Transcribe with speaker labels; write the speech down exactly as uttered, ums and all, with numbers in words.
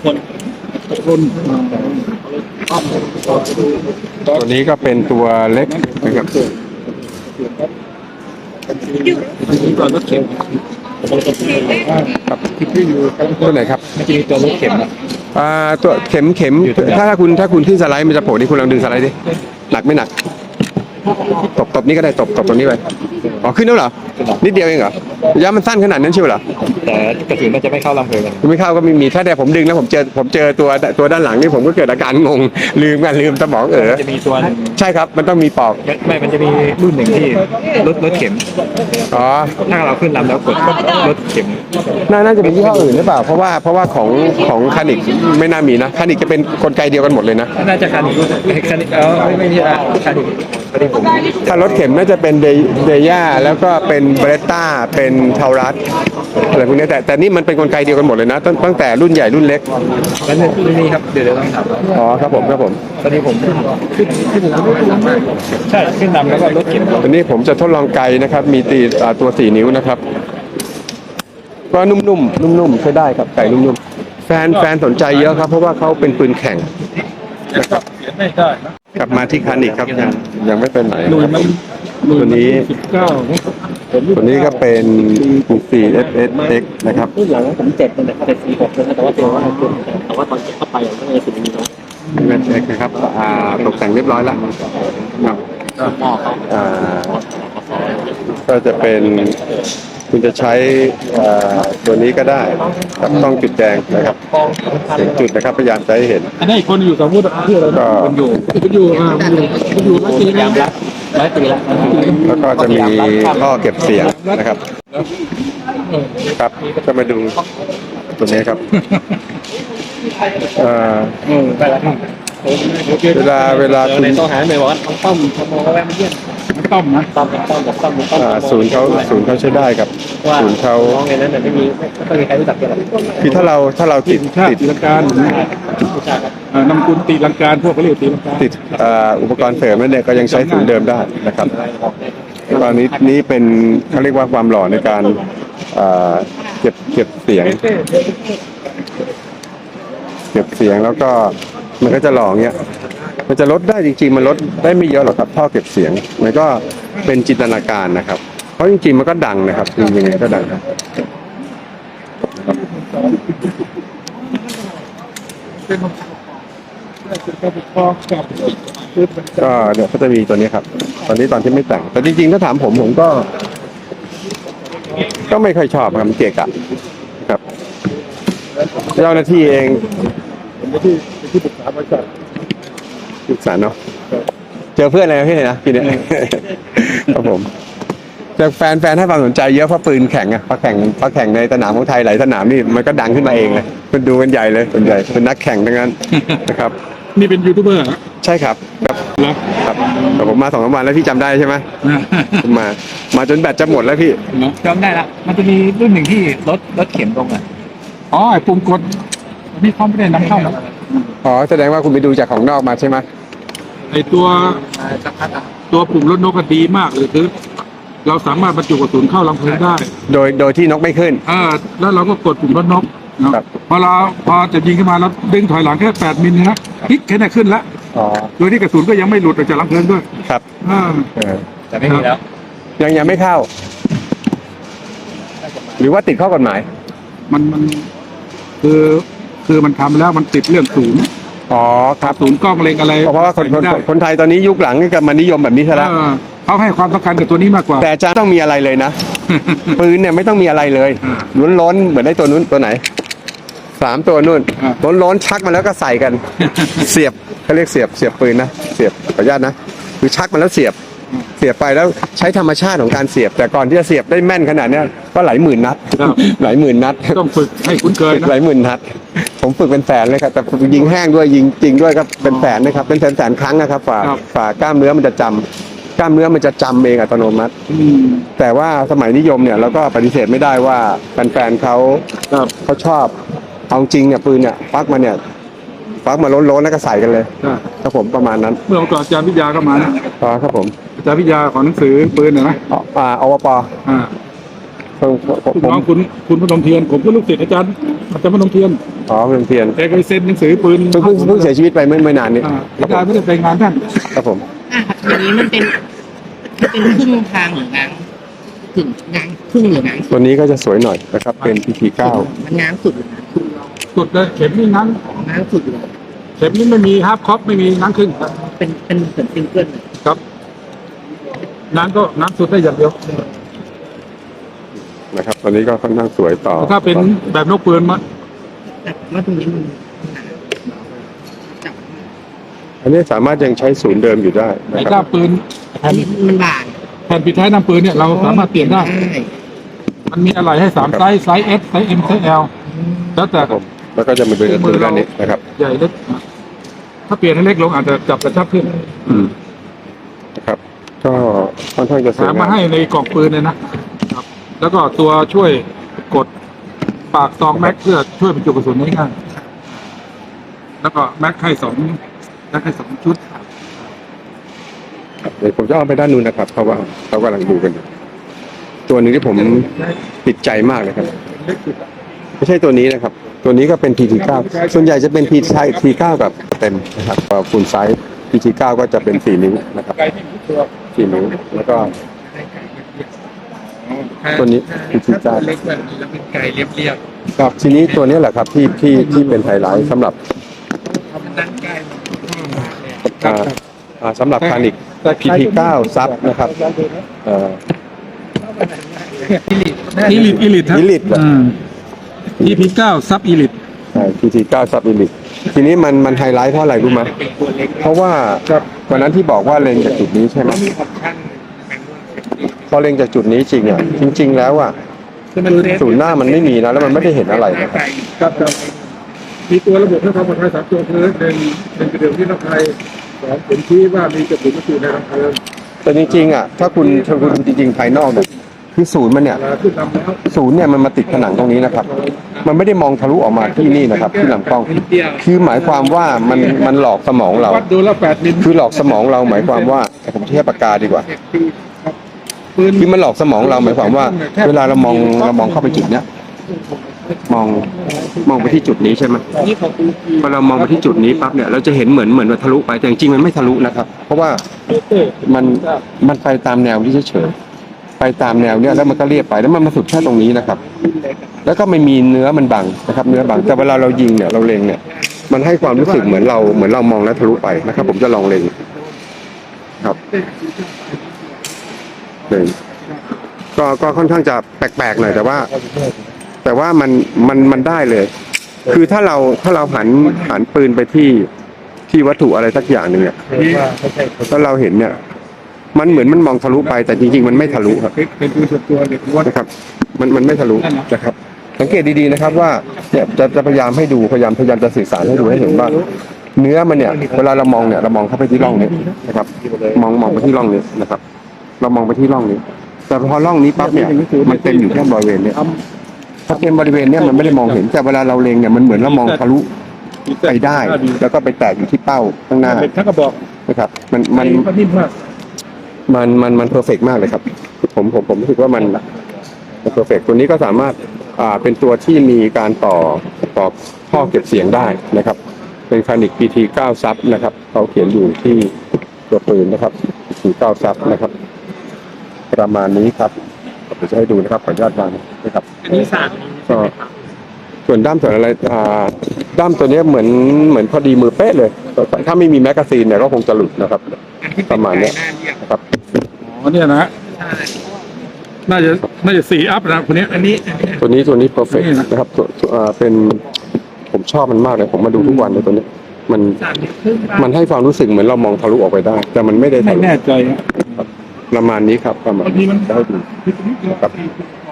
Speaker 1: คนคน
Speaker 2: ตัวนี้ก็เป็นตัวเล็กนะครับ
Speaker 1: นี่ตัวรถเข็ม
Speaker 2: ครับตัวไหนครับ
Speaker 1: มันจะมีตัวรถเข็มนะ
Speaker 2: อ่าตัวเข็มเข็มถ้าถ้าคุณถ้าคุณขึ้นสไลด์มันจะโผล่นี่คุณลองดึงสไลด์ดิหนักไม่หนักตบตบนี่ก็ได้ตบตบตรงนี้ไปอ๋อขึ้นแล้วเหรอนิดเดียวเองเหรอยามันสั้นขนาดนั้นใช่ไหมเหรอ
Speaker 1: แต่กระสุนมันจะไม่เข้าลำเพลิง
Speaker 2: ไม่เข้าก็ไม่มีถ้าแต่ผมดึงแล้วผมเจอผมเจอตัวตัวด้านหลังนี่ผมก็เกิดอาการงงลืมกันลืมสมองเออ
Speaker 1: จะมีตัว
Speaker 2: ใช่ครับมันต้องมีปอก
Speaker 1: ไม่มันจะมีรุ่นหนึ่งที่รถรถเข็ม
Speaker 2: อ๋อ
Speaker 1: ถ้าเราขึ้นลำแล้วกดรถเข็ม
Speaker 2: น่าจะเป็นยี่ห้ออื่นหรือเปล่าเพราะว่าเพราะว่าของของคานิกไม่น่ามีนะคานิกจะเป็นกลไกเดียวกันหมดเลยนะ
Speaker 1: น่าจะคานิกคานิกเออไม่ไม่ใช่คานิกคานิกผม
Speaker 2: ถ้ารถเข็มน่าจะเป็นเดย่าแล้วก็เป็นเบรตต้าเป็นเทารัสอะไรพวกนี้แต่แต่นี่มันเป็นกลไกเดียวกันหมดเลยนะตั้งตั้งแต่รุ่นใหญ่รุ่นเล็ก
Speaker 1: แล้วนี่ครับเดี๋ยวเดี๋ยวต้องถาม
Speaker 2: อ๋อครับผมครับผม
Speaker 1: ตอนนี้ผมขึ้นขึ้นใช่ขึ้นนำแล้วก็รถเข็ม
Speaker 2: ตอนนี้ผมจะทดลองไกนะครับมีตีตัวสี่นิ้วนะครับก็นุ่มๆนุ่มๆใช้ได้ครับไก่นุ่มๆแฟนแฟนสนใจเยอะครับเพราะว่าเขาเป็นปืนแข่งนะครับกลับมาที่คานิกครับยังยังไม่เป็นไหนตัวนี้ตัวนี้ก็เป็นสี่ เอส เอส เอ็กซ์ นะครับ
Speaker 1: รุ่นหลังผมเจ็ดแต่แต่สี่หกนะแต่ว่าตัวว่าแต่ว่าตอนเก็บเข้าไปก็เลยสีนี้เนาะ
Speaker 2: เอส เอ็กซ์ นะครับอ่าตกแต่งเรียบร้อยแล้วครับอ่าก็จะเป็นคุณจะใช้ตัวนี้ก็ได้กับต้องจุดแดงนะครับเสียงจุดนะครับพยายามจะให้เห็น
Speaker 1: อันนี้คนอยู่สมมติเพื่ออะไร
Speaker 2: ก็
Speaker 1: อยู่อยู่อ่าอยู่ร้อยปีแล้วร้อยปีแล้ว
Speaker 2: แล้วก็จะมีท่อเก็บเสียงนะครับครับก็มาดูตัวนี้ครับเอ่อเวลาเวลา
Speaker 1: คุณในต้องหาไม่บอกว่าต้มทำโมก็แวะมาเยี่ยมต้มนะต้มต้มแบบต้มต้ม
Speaker 2: ศูนย์เขาศูนย์เขาใช้ได้ครับศูนย์เขา
Speaker 1: ในนั้นแต่ไม่มีไม่ต้องมีใครรู้จักกัน
Speaker 2: คือถ้าเราถ้าเราติด
Speaker 1: ติดตีลังการนำคุณตีลังการพวกเขาเรียกตีลังการ
Speaker 2: ติดอุปกรณ์เสริมนั่นเนี่ยก็ยังใช้ศูนย์เดิมได้นะครับตอนนี้นี้เป็นเขาเรียกว่าความหล่อในการเก็บเก็บเสียงเก็บเสียงแล้วก็มันก็จะหล่อเงี้ยมันจะลดได้จริงๆมันลดได้ไม่เยอะหรอกครับท่อเก็บเสียงมันก็เป็นจินตนาการนะครับเพราะจริงๆมันก็ดังนะครับจริงๆก็ดังครับก็เดี๋ยวก็จะมีตัวนี้ครับตอนนี้ตอนที่ไม่แต่งแต่จริงๆถ้าถามผมผมก็ก็ไม่ค่อยชอบครับเกะกะครับเจ้าหน้าที่เองที่ที่ปรึกษาบริษัทปรึกษาเนาะเจอเพื่อนอะไรพี่เนี่ยนะพี่เนี่ยครับผมจากแฟนแฟนให้ความสนใจเยอะเพราะปืนแข่งอะเพราะแข่งเพราะแข่งในสนามของไทยหลายสนามนี่มันก็ดังขึ้นมาเองเลยเป็นดูกันใหญ่เลยส่วนใหญ่เป็นนักแข่งทั้งนั้นนะครับ
Speaker 1: นี่เป็นยูทูบเบอร์
Speaker 2: ใช่ครับครับครับแต่ผมมาสองสามวันแล้วพี่จำได้ใช่ไหมผมมามาจนแบตจะหมดแล้วพี่
Speaker 1: จำได้ละมันจะมีรุ่นหนึ่งที่รถรถเข็มตรงอ่ะอ๋อไอ้ปุ่มกดนี่เขาไม่ได้นำเข้านะ
Speaker 2: อ๋อแสดงว่าคุณไปดูจากของนอกมาใช่ไหม
Speaker 1: ไอ้ตัวตัวปุ่มรถนกดีมากเลยคือเราสามารถบรรจุกระสุนเข้าลำเพลิงได้
Speaker 2: โดยโดยที่นกไม่ขึ้น
Speaker 1: อ่าแล้วเราก็กดปุ่มรถนกพอเราพอจะยิงขึ้นมาแล้วดึงถอยหลังแค่แปดมิลนะพลิกแค่นั้นขึ้นแล้วโดยที่กระสุนก็ยังไม่หลุดออกจากลำเพลิงด้วย
Speaker 2: ครับ
Speaker 1: อ่าแต่ไม่มีแล้ว
Speaker 2: ยังยังไม่เข้าหรือว่าติดข้อกฎหมาย
Speaker 1: มันมันคือคือมันทำแล้วมันติดเรื่องศูนย์
Speaker 2: อ๋อครับ
Speaker 1: ศูนย์กล้องเล็งอะไร
Speaker 2: เพราะว่าคนคนไทยตอนนี้ยุคหลังก็มานิยมแบบนี้ซะแล้ว
Speaker 1: เขาให้ความสำคัญกับตัวนี้มากกว่า
Speaker 2: แต่จะต้องมีอะไรเลยนะปืนเนี่ยไม่ต้องมีอะไรเลยล้นล้นเหมือนได้ตัวนู้นตัวไหนสามตัวนู่นล้นล้นชักมาแล้วก็ใส่กันเสียบเขาเรียกเสียบเสียบปืนนะเสียบขออนุญาตนะคือชักมาแล้วเสียบเสียบไปแล้วใช้ธรรมชาติของการเสียบแต่ก่อนที่จะเสียบได้แม่นขนาดนี้ก็หลายหมื่นนัดหลายหมื่นนัด
Speaker 1: ต้องฝึกให้คุ้นเคย
Speaker 2: หลายหมื่นนัดผมฝึกเป็นแสนเลยครับแต่ยิงแห้งด้วยยิงจริงด้วยครับเป็นแสนนะครับเป็นแสนแสนครั้งนะครับฝ่าฝ่ากล้ามเนื้อมันจะจำกล้ามเนื้อมันจะจำเองอัตโนมัติแต่ว่าสมัยนิยมเนี่ยเราก็ปฏิเสธไม่ได้ว่าแฟนๆเขาเขาชอบเอาจริงเนี่ยปืนเนี่ยฟักมาเนี่ยฟักมาล้นๆแล้วก็ใส่กันเลยครับผมประมาณนั้น
Speaker 1: เมื่อก่อนอาจารย์วิทยาก็มานะ
Speaker 2: อ๋อครับผม
Speaker 1: อาจารย์วิทยาของหนังสือปืนนะ
Speaker 2: อ่าอวป
Speaker 1: อ่าผมคุณคุณพนมเทียนผมก็ลูกศิษย์อาจารย์อาจารย์พนมเทียน
Speaker 2: อ๋อเป็นเพียน
Speaker 1: แกเคยเซ็นหนังสือปืน
Speaker 2: เพิ่งเพิ่งเพิ่งเสียชีวิตไปไม่ไม่นานนี้
Speaker 1: อ่า
Speaker 2: ครับผ
Speaker 1: กาย
Speaker 2: ม
Speaker 1: ไม่ได้ไปงานท่าน
Speaker 2: ครับผม
Speaker 3: อ่ะอย่างนี้มันเป็นมันเป็นครึ่งทางหรืองางถึงงางครึ่งหรืองางสุด
Speaker 2: ตัวนี้ก็จะสวยหน่อยนะครับ เป็น พี ที เก้า
Speaker 3: มันงางสุดหรืองางสุด
Speaker 1: สุดเลยเข็มนี่งั้น
Speaker 3: งางสุดเลย
Speaker 1: เข็มนี่ไม่มีฮาร์ปคอปไม่มีงั้นขึ้นครับ
Speaker 3: เป็นเป็นเหมือนซิงเกิลเลย
Speaker 1: ครับงั้นก็งั้นสุดได้อย่างเดียว
Speaker 2: นะครับตัวนี้ก็ค่อนข้างสวยต่อ
Speaker 1: ถ้าเป็นแบบนกปืนมัน
Speaker 3: แต่ว่าตรงนี้มันหนาจับ
Speaker 2: อันนี้สามารถยังใช้ศูนย์เดิมอยู่ได้
Speaker 1: ไอ้
Speaker 2: นะค
Speaker 1: ก้า
Speaker 2: รับ
Speaker 1: ปืนแผ่
Speaker 3: อั
Speaker 1: น
Speaker 3: นนี้มันบาง
Speaker 1: แผ่นปิดท้ายน้ำปืนเนี่ยเราสามารถเปลี่ยนได้ มันมีอะไรให้สามไซส์ไซส์ S ไซส์ M ไซส์ L แล้วแต่
Speaker 2: ครับผมแล้วก็จะมาเป็นกระตือด้านนี้นะครับ
Speaker 1: ใหญ่เล็กถ้าเปลี่ยนให้เล็กลงอาจจะจับกระชับขึ้น
Speaker 2: อืมนะครับ ก็ค่อนข้างจะส
Speaker 1: แถ
Speaker 2: วย
Speaker 1: ม
Speaker 2: งา
Speaker 1: มาให้ในกล่องปืนเลยนะครับ แล้วก็ตัวช่วยกดปากซองแม็กเพื่อช่วยบรรจุกระสุนได้ง่ายแล้วก็แม็กให้สองแม็กให้สองชุด
Speaker 2: เดี๋ยวผมจะเอาไปด้านนู้นนะครับ เพราะว่าเขากำลังดูกันอยู่ตัวหนึงที่ผมติดใจมากเลยครับ
Speaker 1: เล็กสุด
Speaker 2: ไม่ใช่ตัวนี้นะครับ ตัวนี้ก็เป็น พี ที เก้า ส่วนใหญ่จะเป็น พี ที เก้า กับเต็มนะครับฟูลไซส์ พี ที เก้า ก็จะเป็นสี่นิ้วนะครับ
Speaker 1: ไกลที่ทุกตัว
Speaker 2: สี่นิ้ว แล้วก็ ตัวนี้ พี ที เก้า
Speaker 1: เล็กแบบนี้แล้วเป็นไกลเรียบ
Speaker 2: ครับทีนี้ตัวนี้แหละครับที่ที่ที่เป็นไฮไลท์สำหรับ
Speaker 1: ๆทำด้านใกล้
Speaker 2: อ่าอ่าสำหรับคานิก พี ที เก้า ซับนะครับเอ่อ
Speaker 1: อีลิทอีลิทครับ
Speaker 2: Elite เหรอ
Speaker 1: พีพีเก้าซับอีลิท
Speaker 2: ใช่ พี ที เก้า ซับอิลิททีนี้มันมันไฮไลท์เพราะอะไรรู้ไหมเพราะว่าวันนั้นที่บอกว่าเล็งจากจุดนี้ใช่ไหมพอเล็งจากจุดนี้จริงอ่ะจริง ๆ แล้วอ่ะศูนย์หน้ามันไม่มีนะแล้วมันไม่ได้เห็นอะไรนะครับ
Speaker 1: ครับครับมีตัวระบบเพื่อความปลอดภัยสามตัวคือหนึ่งหนึ่งกระเดื่องที่ลำไส้สองผมชี้ว่ามีกระสุนอยู่ในลำไส้
Speaker 2: แต่จริงๆอ่ะถ้าคุณถ้าคุณดูจริงๆภายนอกเนี่ยคือศูนย์มันเนี่ย
Speaker 1: เวลาขึ้นลำแล้ว
Speaker 2: ศูนย์เนี่ยมันมาติดผนังตรงนี้นะครับ มันไม่ได้มองทะลุออกมาที่นี่นะครับ ที่ลำกล้อง คือหมายความว่ามันมันหลอกสมองเรา
Speaker 1: วัดดูแล้วแปดมิล
Speaker 2: คือหลอกสมองเราหมายความว่าผมเทียบปากกาดีกว่า
Speaker 1: ปืน
Speaker 2: คือมันหลอกสมองเราหมายความว่า เวลาเรามองเรามองเข้าไปจุดเนี้ยมองมองไปที่จุดนี้ใช่ไหม
Speaker 3: นี่ของกู
Speaker 2: พอเรามองไปที่จุดนี้ปั๊บเนี่ยเราจะเห็นเหมือนเหมือนว่าทะลุไปแต่จริงๆมันไม่ทะลุนะครับ เพราะว่ามันมันไปตามแนวที่เฉยๆไปตามแนวเนี้ยแล้วมันก็เรียบไปแล้วมันมาสุดแค่ตรงนี้นะครับ แล้วก็ไม่มีเนื้อมันบังนะครับ เนื้อบังแต่เวลาเรายิงเนี่ยเราเล็งเนี่ย มันให้ความรู้สึกเหมือนเราเหมือนเรามองแล้วทะลุไปนะครับ ผมจะลองเล็งครับเล็งก็ก็ค่อนข้างจะแปลกๆหน่อยแต่ว่า แต่ว่ามันมันมันได้เลย คือถ้าเราถ้าเราหันหันปืนไปที่ที่วัตถุอะไรสักอย่างหนึ่งเนี่ยถ้าเราเห็นเนี่ย มันเหมือนมันมองทะลุไปแต่จริงๆมันไม่ทะลุครับ
Speaker 1: เป็นปืนส่วนตัวเด็กวัด
Speaker 2: นะครับ มันมันไม่ทะลุนะครับ สังเกตดีๆนะครับว่าเนี่ยจะจะพยายามให้ดูพยายามพยายามจะสื่อสารให้ดูให้เห็นว่า เนื้อมันเนี่ยเวลาเรามองเนี่ยเรามองเข้าไปที่ร่องนี้นะครับ มองมองไปที่ร่องนี้นะครับ เรามองไปที่ร่องนี้ แต่พอร่องนี้ปั๊บเนี่ยมันเต็มอยู่แค่บริเวณเนี้ยถ้าเป็นบริเวณเนี้ยมันไม่ได้มองเห็นแต่เวลาเราเล็งเนี่ยมันเหมือนเรามองทะลุไปได้ แล้วก็ไปแตกอยู่ที่เป้าข้างหน้า
Speaker 1: เป็นทั้งกระบอก
Speaker 2: นะครับ มันมัน
Speaker 1: มันนิ่มมาก
Speaker 2: มันมันมันเพอร์เฟกมากเลยครับ ผมผมผมรู้สึกว่ามันเพอร์เฟกตัวนี้ก็สามารถอ่าเป็นตัวที่มีการต่อต่อท่อเก็บเสียงได้นะครับ เป็นคานิก พี ที เก้า ซับนะครับเขาเขียนอยู่ที่ตัวปืนนะครับ พี ที เก้า ซับนะครับ ประมาณนี้ครับเดี๋ยวจะให้ดูนะครับขออนุญาตวางนะครับ
Speaker 3: อันนี้สาม
Speaker 2: ก็ส่วนด้ามส่วนอะไรอ่าด้ามตัวเนี้ยเหมือนเหมือนพอดีมือเป๊ะเลย ถ้าไม่มีแมกกาซีนเนี่ยก็คงจะหลุดนะครับ ประมาณเนี้ยนะครับ
Speaker 1: อ๋อเนี่ยนะฮะน่าจะน่าจะสี่อัพนะคนนี้อันนี้
Speaker 2: ตัวนี้ตัวนี้เพอร์เฟกนะครับตัวตัวอ่าเป็นผมชอบมันมากเลยผมมาดูทุกวันเลยตัวนี้ มัน
Speaker 3: สามนิ้วครึ่ง
Speaker 2: มันให้ความรู้สึกเหมือนเรามองทะลุออกไปได้ แต่มันไม่ได้
Speaker 1: ไม่
Speaker 2: ทะลุ
Speaker 1: แน่ใจฮะ
Speaker 2: ประมาณนี้ครับประมาณ
Speaker 1: บางทีมัน
Speaker 2: ได้ดู
Speaker 1: พิดนิดเดียว
Speaker 2: ครับ